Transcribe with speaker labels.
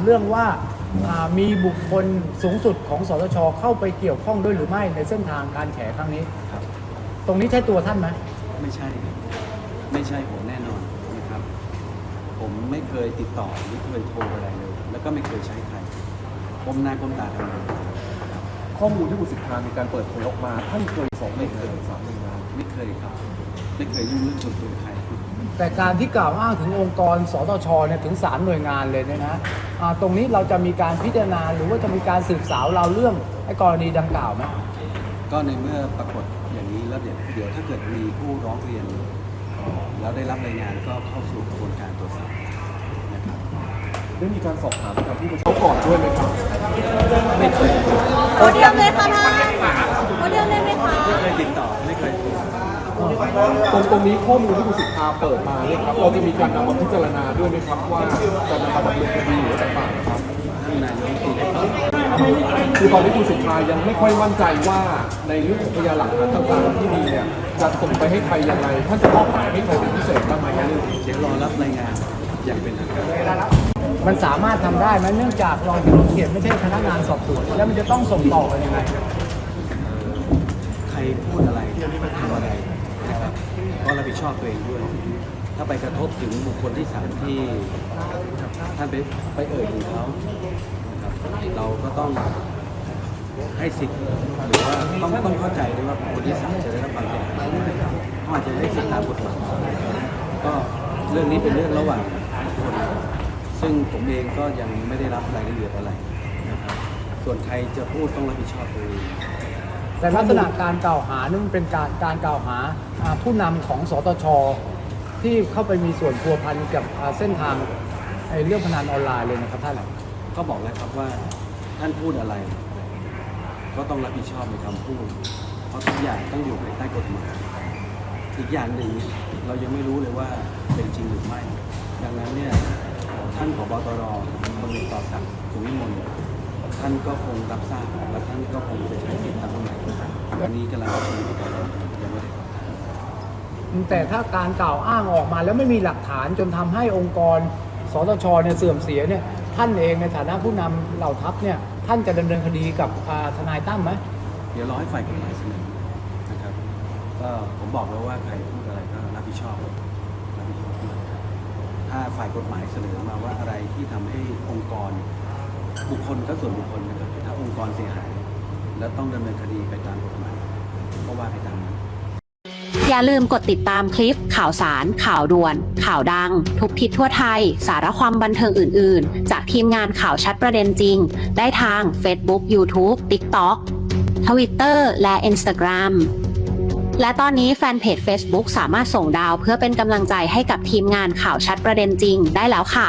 Speaker 1: เรื่องว่ามีบุคคลสูงสุดของสตชเข้าไปเกี่ยวข้องด้วยหรือไม่ในเส้นทางการแฉครั้งนี้
Speaker 2: ครับ
Speaker 1: ตรงนี้ใช่ตัวท่านไหม
Speaker 2: ไม่ใช่ไม่ใช่ผมแน่นอนนะครับผมไม่เคยติดต่อไม่เคยโทรอะไรเลยแล้วก็ไม่เคยใช้ใครก้มหน้าก้มตาทำงาน
Speaker 3: ข้อมูลที่คุณสิทธามีการเปิดเผยออกมาท่านเคย2 หน่วยงานหรือ3 หน่วยงาน
Speaker 2: ไม่เคยครับไม่เคยยุ่งเรื่องส่วนตัวใคร
Speaker 1: แต่การที่กล่าวอ้างถึงองค์กรสตชเนี่ยถึง3 หน่วยงานเลยเนี่ยนะตรงนี้เราจะมีการพิจารณาหรือว่าจะมีการสืบสาวเราเรื่องไอ้กรณีดังกล่าวไหม
Speaker 2: ก็ในเมื่อปรากฏอย่างนี้แล้วเดี๋ยวถ้าเกิดมีผู้ร้องเรียนแล้วได้รับรายงานก็เข้าสู่กระบวนการตรวจสอบนะครับ
Speaker 3: ได้มีการสอบถามกับผู้บัญชาการก่อนด้วยไหมครับ
Speaker 2: ไม่เคย
Speaker 4: โพเดียมเลยค่ะท่านโพเดียมเลยไหมคะ
Speaker 2: ไม่เคยติดต่อไม่เคยโทร
Speaker 3: ตรงนี้ข้อมูลที่คุณสิทธาเปิดมาเนี่ยครับเราจะมีการนำมาพิจารณาด้วยไหมครับว่าจะนำมาดำเนินคดีหรือต่างๆครับ
Speaker 2: ท่านนายกรัฐมนตรีได้ตอบ
Speaker 3: คือตอนนี้คุณสิทธายังไม่ค่อยมั่นใจว่าในเรื่องของพยานหลักฐานต่างๆที่มีเนี่ยจะส่งไปให้ใครยังไงท่านจะมอบหมายให้ใครเป็นพิเศษบ้างไหมครับ
Speaker 2: เดี๋ยวรอรับรายงานอย่างเป็นทางการ
Speaker 1: มันสามารถทำได้ไหมเนื่องจากรองสารวัตรเขตไม่ใช่พนักงานสอบสวนแล้วมันจะต้องส่งต่อกันยังไง
Speaker 2: ใครพูดอะไรทำอะไรนะครับก็รับผิดชอบตัวเองด้วย ถ้าไปกระทบถึงบุคคลที่สามที่ท่านไปเอ่ยถึงเขานะครับเราก็ต้องให้สิทธิ์หรือว่าต้องเข้าใจด้วยว่าบุคคลที่สามจะได้รับความเสียหายเขาอาจจะได้สิทธิ์ตามกฎหมายก็เรื่องนี้เป็นเรื่องระหว่างคนซึ่งผมเองก็ยังไม่ได้รับรายละเอียดอะไรนะครับส่วนใครจะพูดต้องรับผิดชอบตัวเอง
Speaker 1: แต่ลักษณะการกล่าวหานี่มันเป็นการกล่าวหาผู้นำของสตชที่เข้าไปมีส่วนพัวพันกับเส้นทางเรื่องพนันออนไลน์เลยนะครับท่าน
Speaker 2: ก็บอกแล้วครับว่าท่านพูดอะไร ก็ต้องรับผิดชอบในคำพูด เพราะทุกอย่างต้องอยู่ภายใต้กฎหมายอีกอย่างหนึ่งเรายังไม่รู้เลยว่าเป็นจริงหรือไม่ ดังนั้นเนี่ยท่านผบตรพลเอกต่อศักดิ์สุขวิมลท่านก็คงรับทราบและท่านก็คงจะใช้สิทธิตามกฎหมายวันนี้กำลังประชุมกันยังไม่ได้
Speaker 1: แต่ถ้าการกล่าวอ้างออกมาแล้วไม่มีหลักฐานจนทำให้องค์กรสตชเนี่ยเสื่อมเสียเนี่ยท่านเองในฐานะผู้นำเหล่าทัพเนี่ยท่านจะดำเนินคดีกับทนายตั้มไหม
Speaker 2: เดี๋ยวรอให้ฝ่ายกฎหมายเสนอนะครับก็ผมบอกแล้วว่าใครพูดอะไรก็รับผิดชอบด้วยถ้าฝ่ายกฎหมายเสนอมาว่าอะไรที่ทำให้องค์กรบุคคลก็ส่วนบุคคลนะครับถ้าองค์กรเสียหาย แล้วต้องดำเนินคดีไปตามกฎหมายก็ว่าไปตามนั้น
Speaker 5: อย่าลืมกดติดตามคลิปข่าวสาร ข่าวด่วน ข่าวดัง ทุกทิศทั่วไทย สาระความบันเทิงอื่น ๆ จากทีมงานข่าวชัดประเด็นจริง ได้ทาง Facebook YouTube TikTok Twitter และ Instagram และตอนนี้แฟนเพจ Facebook สามารถส่งดาวเพื่อเป็นกำลังใจให้กับทีมงานข่าวชัดประเด็นจริงได้แล้วค่ะ